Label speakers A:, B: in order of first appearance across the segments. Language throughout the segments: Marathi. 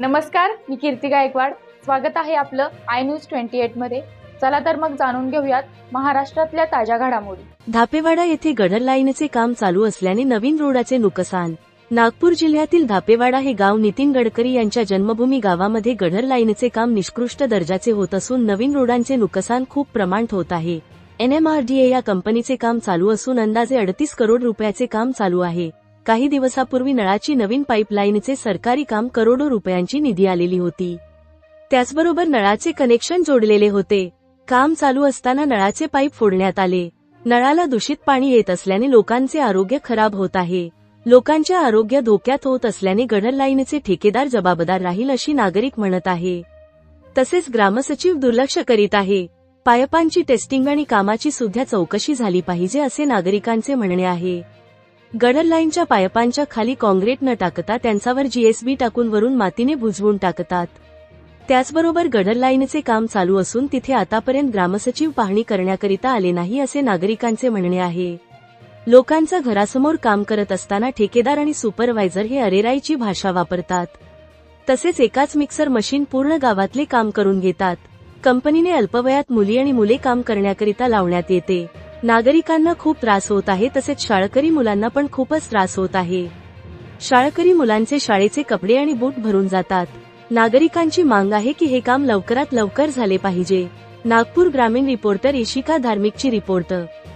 A: नमस्कार, मी कीर्ती गायकवाड. स्वागत आहे आपलं आय न्यूज 28 मध्ये. चला तर मग जाणून घेऊयात महाराष्ट्रातल्या ताज्या घडामोडी.
B: धापेवाडा येथे गडर लाईनचे काम चालू असल्याने नवीन रोडाचे नुकसान. नागपूर जिल्ह्यातील धापेवाडा हे गाव नितीन गडकरी यांच्या जन्मभूमी गावामध्ये गडर लाईनचे काम निकृष्ट दर्जाचे होत असून नवीन रोडांचे नुकसान खूप प्रमाणात होत आहे. NMRDA या कंपनीचे काम चालू असून अंदाजे 38 करोड रुपयाचे काम चालू आहे. काही दिवसापूर्वी नळाची नवीन पाईपलाईनचे सरकारी काम करोडो रुपयांची निधी आलेली होती. त्याचबरोबर नळाचे कनेक्शन जोडलेले होते. काम चालू असताना नळाचे पाईप फोडण्यात आले. नळाला दूषित पाणी येत असल्याने लोकांचे आरोग्य खराब होत आहे. लोकांचे आरोग्य धोक्यात होत असल्याने गडर लाईनचे ठेकेदार जबाबदार राहील अशी नागरिक म्हणत आहे. तसेच ग्रामसचिव दुर्लक्ष करीत आहे. पाईपांची टेस्टिंग आणि कामाची सुद्धा चौकशी झाली पाहिजे असे नागरिकांचे म्हणणे आहे. गडर लाईनच्या पाईपांच्या खाली काँक्रीट न टाकता त्यांच्यावर GSB टाकून वरून मातीने बुजवून टाकतात. त्याचबरोबर गडर लाईनचे काम चालू असून तिथे आतापर्यंत ग्रामसचिव पाहणी करण्याकरिता आले नाही असे नागरिकांचे म्हणणे आहे. लोकांचं घरासमोर काम करत असताना ठेकेदार आणि सुपरवायझर हे अरेराईची भाषा वापरतात. तसेच एकाच मिक्सर मशीन पूर्ण गावातले काम करून घेतात. कंपनीने अल्पवयात मुली आणि मुले काम करण्याकरिता लावण्यात येते. नागरिकांना खूप त्रास होत आहे. तसेच शाळकरी मुलांना पण खूपच त्रास होत आहे. शाळकरी मुलांचे शाळेचे कपडे आणि बूट भरून जातात. नागरिकांची मांग आहे की हे काम लवकरात लवकर झाले पाहिजे. नागपूर ग्रामीण रिपोर्टर इशिका धार्मिकची रिपोर्ट.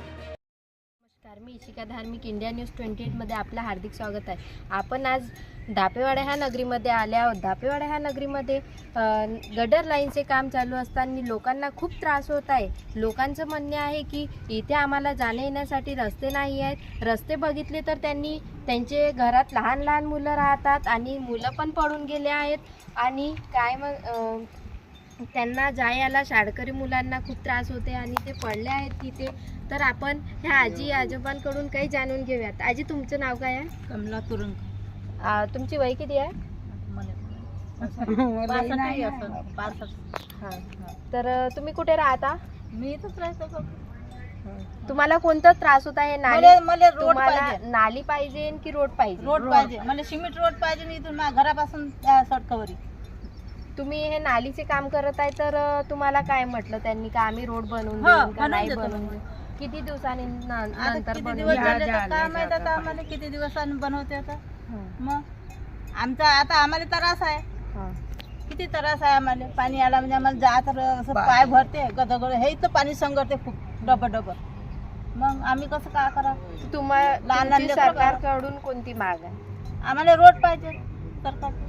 C: नमस्कार, मी इशिका धार्मिक, इंडिया न्यूज 28 मध्ये आपलं हार्दिक स्वागत आहे. आपण आज धापेवाडा ह्या नगरीमध्ये आले आहोत. धापेवाडा ह्या नगरीमध्ये गडर लाईनचे काम चालू असताना लोकांना खूप त्रास होत आहे. लोकांचं म्हणणे आहे की इथे आम्हाला जाण्या येण्यासाठी रस्ते नाही आहेत. रस्ते बघितले तर त्यांचे घरात लहान लहान मुलं राहतात आणि मुलं पण पडून गेले आहेत. आणि काय मग त्यांना जायला शाळकरी मुलांना खूप त्रास होते आणि ते पडले आहेत तिथे. तर आपण ह्या आजी आजोबांकडून काही जाणून घेऊयात. आजी, तुमचं नाव काय आहे?
D: कमला तुरुंग.
C: तुमची वय किती आहे? तर तुम्ही कुठे राहता?
D: मी इथंच राहतो.
C: तुम्हाला कोणता त्रास होता आहे?
D: मला रोड पाहिजे.
C: नाली पाहिजे की रोड पाहिजे?
D: रोड पाहिजे. मला सिमेंट रोड पाहिजे आणि इथून माझ्या घरापासून सडकवरी.
C: तुम्ही हे नालीचे काम करत आहे तर तुम्हाला काय म्हटलं त्यांनी का आम्ही रोड बनवून देऊ का नाही बनवून देऊ? किती दिवसांनी नंतर
D: किती दिवस झाले तर काय माहित आता आम्हाला किती दिवसांनी बनवते आता. मग आमचा आता आम्हाला त्रास आहे. किती त्रास आहे आम्हाला. पाणी आला म्हणजे आम्हाला जात असं पाय भरते गदगड. हे इथं पाणी संगरते खूप डबल. मग आम्ही कसं काय करा?
C: तुम्हाला लहान सरकारकडून कोणती माग आहे?
D: आम्हाला रोड पाहिजे सरकार.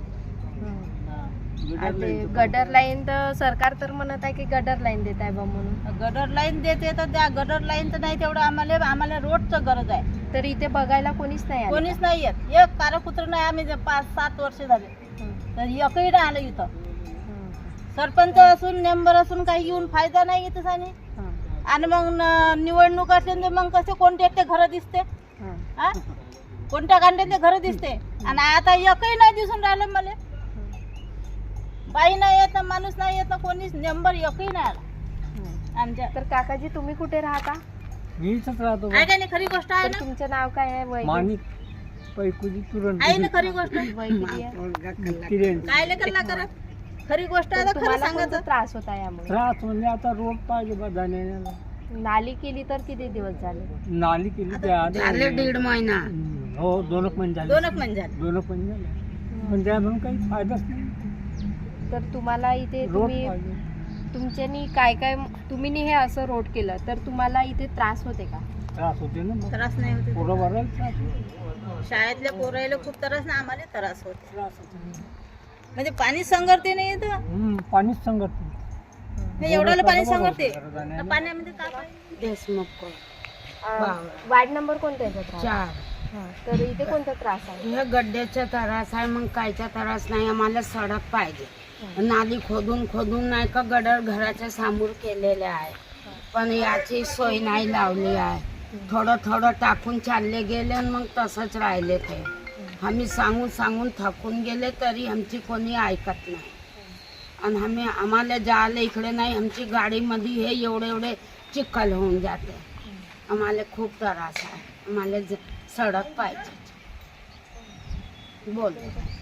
C: गडर लाईन तर सरकार तर म्हणत आहे की गडर लाईन देत आहे बा म्हणून.
D: गडर लाईन देते तर त्या गडर लाईन तर नाही तेवढं आम्हाला रोडचं गरज आहे.
C: तर इथे बघायला कोणीच नाही आलं?
D: कोणीच नाही येत. एक कारकुत्र नाही. आम्ही 5-7 वर्ष झाले तर एकही नाही आलं इथं. सरपंच असून मेंबर असून काही येऊन फायदा नाही इथं. आणि मग निवडणूक असले मग कसे कोणते घर दिसते, कोणत्या गांड्यातले घर दिसते. आणि आता एकही नाही दिसून राहिलं मला. बाई नाही येत, माणूस नाही येत, कोणीच मेंबर एकही नाही आला आमच्या.
C: तर काकाजी, तुम्ही कुठे राहता?
E: मी इथंच राहतो.
D: आहे का नाही? खरी गोष्ट आहे ना.
C: तुमचं नाव काय आहे? वय
E: माणिक पैकुजी तुरंत
D: आहे ना खरी गोष्ट.
C: वय किती आहे?
D: काय लेकरला करा. खरी गोष्ट आहे. खरं
C: तुम्हाला
D: सांगायचं.
C: कोणता त्रास होता यामुळे?
E: त्रास म्हणजे आता रोड पाहिजे बा जाण्याला.
C: नाली केली तर किती दिवस झाले?
E: नाली केली त्या
D: झाले 1.5 महिना.
E: हो, 2 महिने झाले.
D: 2 महिने झाले.
E: 2 महिने झाले. पण त्या म्हणून काही फायदाच नाही.
C: तर तुम्हाला इथे
E: रोड
C: तुम्ही
E: पाहिजे.
C: तुमच्यानी काय तुम्ही हे असं रोड केलं तर तुम्हाला इथे त्रास होते का?
E: त्रास होते ना.
D: त्रास नाही होते.
E: पोरं भरायला त्रास होते.
D: शाळेतल्या पोरायला खूप त्रास ना. आम्हाला त्रास होते.
E: त्रास होते.
D: म्हणजे पाणी संगरते नाही इथं.
E: पाणीच संगत
D: एवढं पाणी संगरते. पाण्यामध्ये काय पाहिजे?
C: वार्ड नंबर कोणता आहे?
F: 4.
C: तर इथे कोणता त्रास आहे?
F: हे गड्ड्याचा त्रास आहे. मग कायचा त्रास नाही. आम्हाला सडक पाहिजे. नाली खोदून नाही का गडर घराच्या समोर केलेले आहे. पण याची सोय नाही लावली आहे. थोडं टाकून चालले गेले आणि मग तसंच राहिले ते. आम्ही सांगून थकून गेले तरी आमची कोणी ऐकत नाही. आणि आम्हाला जायला इकडे नाही. आमची गाडीमध्ये हे एवढे चिखल होऊन जाते. आम्हाला खूप त्रास आहे. आम्हाला सडक पाहिजे. बोल.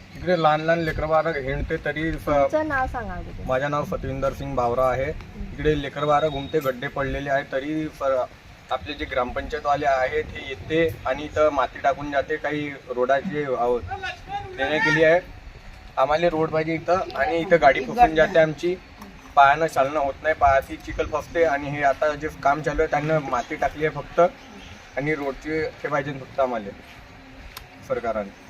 G: इकडे लहान लहान लेकरं बाळं हिंडते तरी
C: तुमचं नाव सांगा अगोदर.
G: माझं नाव सतविंदर सिंग भावरा आहे. इकडे लेकरं बाळं घुमते, गड्डे पडलेले आहेत तरी आपले जे ग्रामपंचायतवाले आहेत हे येते आणि इथं माती टाकून जाते. काही रोडाची देण्या केली आहे. आम्हाला रोड पाहिजे इथं आणि इथं गाडी फसून जाते आमची. पायानं चालणं होत नाही, पायाची चिखल फसते आणि हे आता जे काम चालू आहे त्यांना माती टाकली आहे फक्त आणि रोडचे हे पाहिजे फक्त आम्हाला सरकारने.